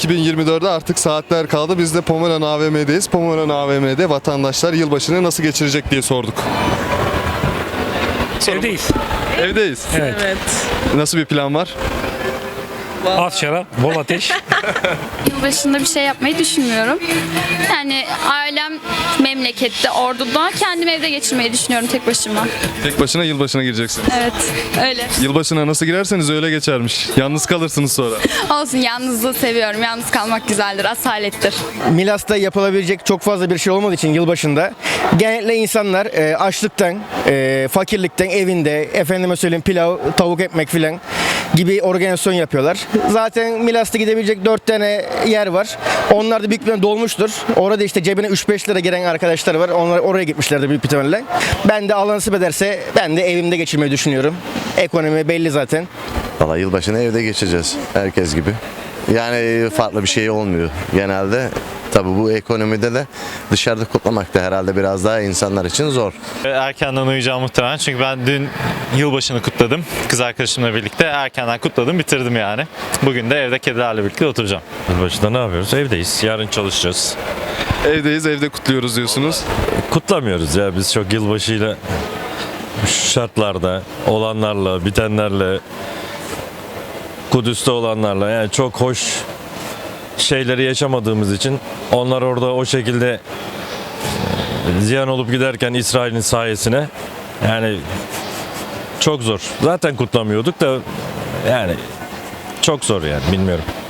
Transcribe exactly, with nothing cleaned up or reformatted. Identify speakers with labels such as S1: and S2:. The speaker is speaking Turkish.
S1: iki bin yirmi dörde artık saatler kaldı. Biz de Pomeran A V M'deyiz. Pomeran A V M'de vatandaşlar yılbaşını nasıl geçirecek diye sorduk.
S2: Evdeyiz.
S1: Evdeyiz.
S2: Evet.
S3: Evet.
S1: Nasıl bir plan var?
S2: Az şarap, bol ateş.
S4: Yılbaşında bir şey yapmayı düşünmüyorum. Yani ailem memlekette, Ordu'da. Kendim evde geçirmeyi düşünüyorum tek başıma.
S1: Tek başına yılbaşına gireceksin.
S4: Evet, öyle.
S1: Yılbaşına nasıl girerseniz öyle geçermiş. Yalnız kalırsınız sonra.
S4: Olsun, yalnızlığı seviyorum. Yalnız kalmak güzeldir, asalettir.
S5: Milas'ta yapılabilecek çok fazla bir şey olmadığı için yılbaşında genellikle insanlar e, açlıktan, e, fakirlikten evinde efendime söyleyeyim pilav, tavuk ekmek filan gibi organizasyon yapıyorlar. Zaten Milas'ta gidebilecek dört tane yer var. Onlar da büyük bir dolmuştur. Orada işte cebine üç beş lira giren arkadaşlar var. Onlar oraya gitmişlerdir büyük ihtimalle. Ben de Allah nasip ederse ben de evimde geçirmeyi düşünüyorum. Ekonomi belli zaten.
S6: Valla yılbaşını evde geçeceğiz herkes gibi. Yani farklı bir şey olmuyor genelde. Tabii bu ekonomide de dışarıda kutlamak da herhalde biraz daha insanlar için zor.
S7: Erkenden uyuyacağım muhtemelen çünkü ben dün yılbaşını kutladım. Kız arkadaşımla birlikte erkenden kutladım, bitirdim yani. Bugün de evde kedilerle birlikte oturacağım.
S8: Yılbaşında ne yapıyoruz? Evdeyiz. Yarın çalışacağız.
S1: Evdeyiz, evde kutluyoruz diyorsunuz.
S8: Kutlamıyoruz ya biz çok yılbaşıyla şu şartlarda olanlarla, bitenlerle, Kudüs'te olanlarla yani çok hoş şeyleri yaşamadığımız için onlar orada o şekilde ziyan olup giderken İsrail'in sayesine yani çok zor. Zaten kutlamıyorduk da yani çok zor yani bilmiyorum.